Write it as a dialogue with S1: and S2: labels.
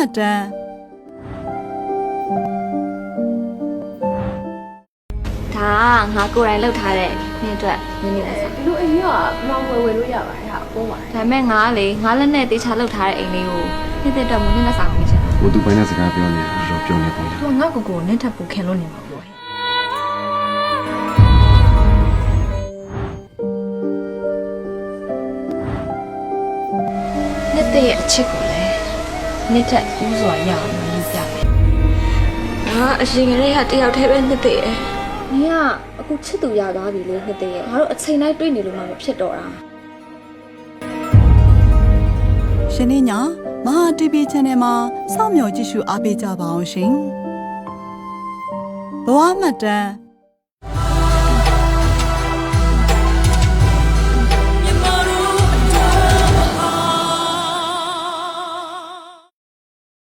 S1: တမ်း
S2: ဒါငါကိုယ်တိုင်လှုပ်ထားတဲ့နေ့အတွက်နည်းနည်းပါစား
S3: ဒီလိုအိမ်ကြီးကမောင်ဝယ်လို့ရပါတယ်ဟာပိုးပါတယ်
S2: ဒါပေမဲ့ငါကလေငါလက်နဲ့တေချာလှုပ်ထားတဲ့အိမ်လေးကိုနေ့တဲ့အတွက်မင်းနဲ့စားပေးချင်
S4: 我都把那စကားပြောနေတာတော့ပြောနေပုံလား
S3: သူငါ့ကိုနင်းထပ်ဖို့ခင်လို့နေမှာပေါ့ဟဲ့
S2: နေ့တဲ့အချစ်ကိုလည်းနေ့ထက်ဦးစွာရအောင်ယူပြမယ်ငါအရင်ကလေးကတယောက်တည်းပဲနေ့တဲ့နင်ကအခုချစ်သူရသွားပြီလေနေ့တဲ့ငါတို့အချိန်တိုင်းတွေ့နေလို့မှမဖြစ်တော့တာ
S1: ရှင်နေညာမဟာ TV Channel မှာစောင့်မျှော်ကြည့်ရှုအားပေးကြပါအောင်ရှင်ဘဝမှတ်တမ်း